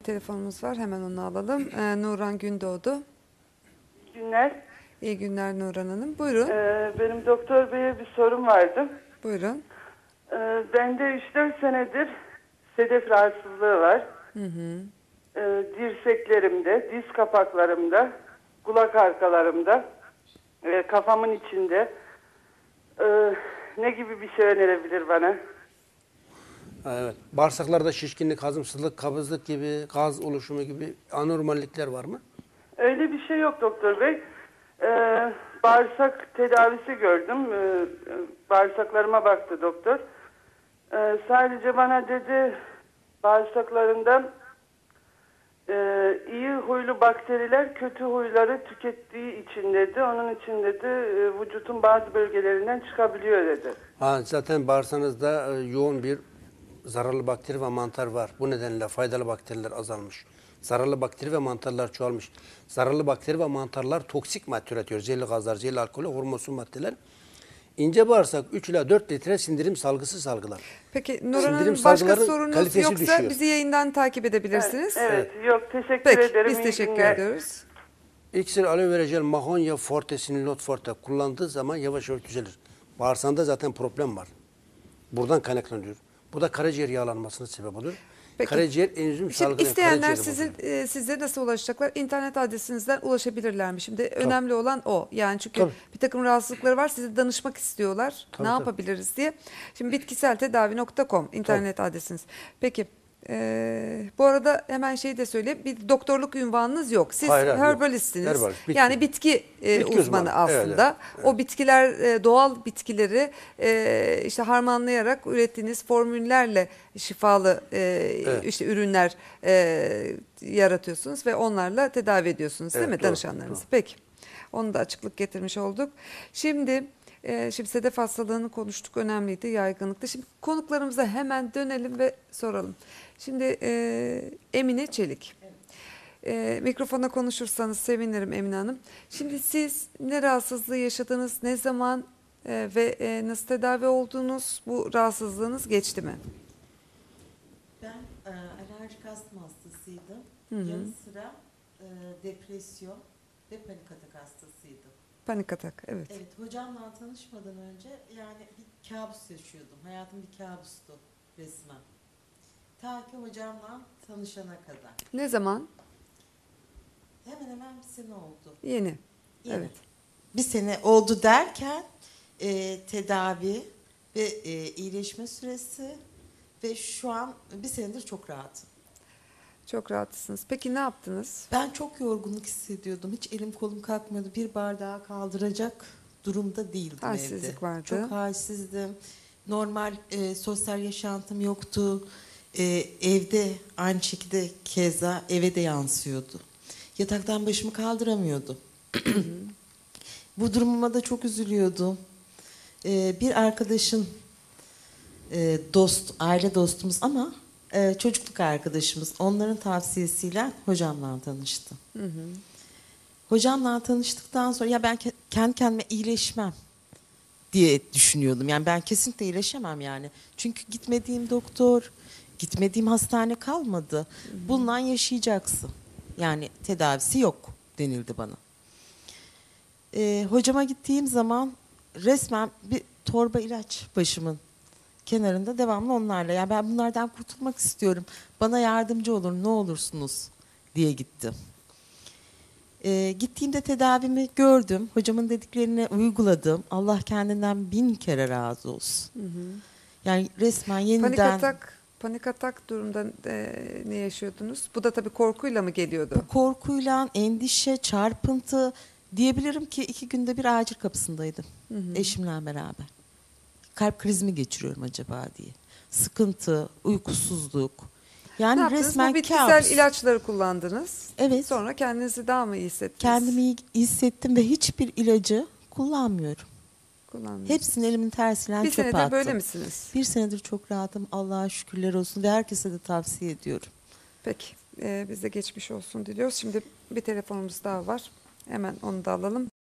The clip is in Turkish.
Telefonumuz var. Hemen onu alalım. Nurhan Gündoğdu. İyi günler. İyi günler Nurhan Hanım. Buyurun. Benim doktor beye bir sorum vardı. Buyurun. Bende 3-4 senedir sedef rahatsızlığı var. Dirseklerimde, diz kapaklarımda, kulak arkalarımda, kafamın içinde. Ne gibi bir şey önerebilir bana? Evet. Bağırsaklarda şişkinlik, hazımsızlık, kabızlık gibi, gaz oluşumu gibi anormallikler var mı? Öyle bir şey yok doktor bey. Bağırsak tedavisi gördüm. Bağırsaklarıma baktı doktor. Sadece bana dedi bağırsaklarından iyi huylu bakteriler kötü huyları tükettiği için dedi. Onun için dedi vücutun bazı bölgelerinden çıkabiliyor dedi. Zaten bağırsağınızda yoğun bir zararlı bakteri ve mantar var. Bu nedenle faydalı bakteriler azalmış. Zararlı bakteri ve mantarlar çoğalmış. Zararlı bakteri ve mantarlar toksik madde üretiyor. Zehirli gazlar, zehirli alkol, hormonsuz maddeler. İnce bağırsak 3 ila 4 litre sindirim salgısı salgılar. Peki Nurhan Hanım, Sindirim başka salgıların sorunuz kalitesi yoksa düşüyor. bizi yayından takip edebilirsiniz. Evet. Yok teşekkür Peki ederim. biz İyi teşekkür günler. ediyoruz. İksir, aloe vera jel, mahonya forte, sinilot forte kullandığı zaman yavaş yavaş düzelir. Bağırsağında zaten problem var. Buradan kaynaklanıyor. Bu da karaciğer yağlanmasına sebep olur. Peki. Karaciğer enzim Şimdi salgılayan isteyenler karaciğeri bozuyor. size nasıl ulaşacaklar? İnternet adresinizden ulaşabilirler mi? Şimdi önemli olan o. Yani çünkü Tabii. bir takım rahatsızlıkları var. Size danışmak istiyorlar. Tabii, ne tabii. yapabiliriz diye. Şimdi bitkiseltedavi.com internet adresiniz. Peki. Bu arada hemen şeyi de söyleyeyim. Bir doktorluk ünvanınız yok. Siz Hayır, yok. herbalistsiniz. Herbalist, bitki. Yani bitki uzmanı uzmanı. aslında. Evet. O bitkiler, doğal bitkileri işte harmanlayarak ürettiğiniz formüllerle şifalı işte ürünler yaratıyorsunuz ve onlarla tedavi ediyorsunuz değil Evet, mi doğru, danışanlarınızı? doğru. Peki. Onu da açıklık getirmiş olduk. Şimdi sedef hastalığını konuştuk. Önemliydi, yaygınlıkta. Şimdi konuklarımıza hemen dönelim ve soralım. Şimdi Emine Çelik. Mikrofona konuşursanız sevinirim Emine Hanım. Şimdi siz ne rahatsızlığı yaşadınız, ne zaman ve nasıl tedavi oldunuz? Bu rahatsızlığınız geçti mi? Ben alerjik astım hastasıydım. Yanı sıra depresyon ve panik atak hastasıydım. Panik atak, evet. Evet, hocamla tanışmadan önce yani bir kabus yaşıyordum. Hayatım bir kabustu resmen. Ta ki hocamla tanışana kadar. Ne zaman? Hemen hemen bir sene oldu. Yeni. Yeni. Evet. Bir sene oldu derken tedavi ve iyileşme süresi ve şu an bir senedir çok rahatım. Çok rahatsınız. Peki ne yaptınız? Ben çok yorgunluk hissediyordum. Hiç elim kolum kalkmıyordu. Bir bardağı kaldıracak durumda değildim evde. Halsizlik vardı. Çok halsizdim. Normal sosyal yaşantım yoktu. Evde aynı şekilde keza eve de yansıyordu. Yataktan başımı kaldıramıyordum. Bu durumuma da çok üzülüyordum. Bir arkadaşın aile dostumuz ama çocukluk arkadaşımız. Onların tavsiyesiyle hocamla tanıştım. Hocamla tanıştıktan sonra ya ben kendi kendime iyileşmem diye düşünüyordum. Yani ben kesinlikle iyileşemem yani. Çünkü gitmediğim doktor, gitmediğim hastane kalmadı. Bundan yaşayacaksın. Yani tedavisi yok denildi bana. Hocama gittiğim zaman resmen bir torba ilaç başımın kenarında devamlı onlarla. Yani ben bunlardan kurtulmak istiyorum. Bana yardımcı olun ne olursunuz diye gittim. Gittiğimde tedavimi gördüm. Hocamın dediklerini uyguladım. Allah kendinden 1000 kere razı olsun. Yani resmen yeniden... Panik atak durumda ne yaşıyordunuz? Bu da tabii korkuyla mı geliyordu? Bu korkuyla, endişe, çarpıntı diyebilirim ki 2 günde bir acil kapısındaydım. Eşimle beraber. Kalp krizi mi geçiriyorum acaba diye. Sıkıntı, uykusuzluk. Yani ne yaptınız? resmen Bu bitkisel kabus. ilaçları kullandınız. Evet. Sonra kendinizi daha mı iyi hissettiniz? Kendimi iyi hissettim ve hiçbir ilacı kullanmıyorum. Kullandınız. Hepsini elimin tersiyle Bir çöpe senedir attım. böyle misiniz? Bir senedir çok rahatım. Allah'a şükürler olsun ve herkese de tavsiye ediyorum. Peki. Biz de geçmiş olsun diliyoruz. Şimdi bir telefonumuz daha var. Hemen onu da alalım.